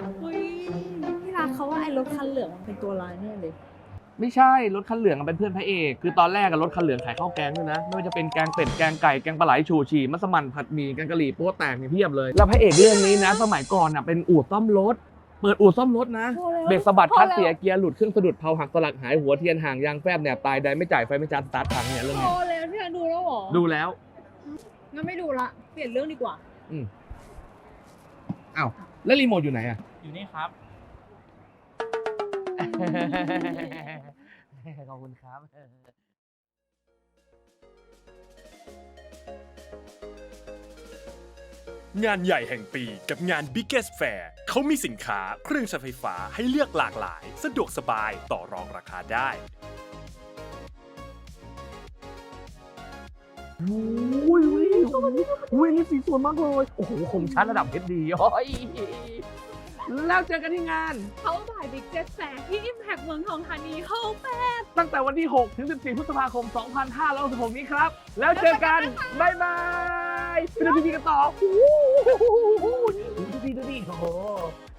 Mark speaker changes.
Speaker 1: เฮ้ยพี่รักเขาว่าไอ้รถคันเหลืองมันเป็นตัวร้ายแน่เลย
Speaker 2: ไม่ใช่รถคันเหลืองเป็นเพื่อนพระเอกคือตอนแรกรถคันเหลืองขายข้าวแกงด้วยนะไม่ว่าจะเป็นแกงเป็ดแกงไก่แกงปลาไหลชูชีมัสมั่นผัดหมี่แกงกะหรี่โป๊ะแตกนี่เพียบเลยแล้วพระเอกเรื่องนี้นะสมัยก่อนเป็นอู่ซ่อมรถเปิดอู่ซ่อมรถนะ
Speaker 1: พอแล้ว
Speaker 2: เบรกสะบัด
Speaker 1: พอ
Speaker 2: คลัตช์
Speaker 1: แล้ว
Speaker 2: เสียเกียร์หลุดเครื่องสะดุดเผาหักสลักหายหัวเทียนห่างยางแฟบเนี่ยตายใดไม่จ่ายไฟไม่จ่ายสตาร์ทพังเนี่ยเรื่อง
Speaker 1: พ
Speaker 2: นี้
Speaker 1: อแล้วพี่รักดูแล้วเหรอ
Speaker 2: ดูแล้ว
Speaker 1: งั้นไม่ดูละเปลี่ยนเรื่องดีกว่า
Speaker 2: อ้าวแล้วรีโมทอยู่ไหนอะ
Speaker 3: อยู่นี่ครับ
Speaker 2: ขอบคุณครับ
Speaker 4: งานใหญ่แห่งปีกับงาน Biggest Fair เขามีสินค้าเครื่องใช้ไฟฟ้าให้เลือกหลากหลาย สะดวกสบายต่อรองราคาได้
Speaker 2: อุ้ยนี่สีสวยมากเลยโอ้โหคมชัดระดับเพชรดีโอ้ยแล้วเจอกันที่งาน
Speaker 1: เขาบ่ายบิ๊กเจ็ตแฟร์ที่ Impact เมืองทองธานีโฮมแฟร์
Speaker 2: ตั้งแต่วันที่ 6 ถึง 14 พฤษภาคม 2566 นี้ครับ แล้วเจอกัน บ๊ายบายไปดูทีวีกันต่อดูดิโอ้โห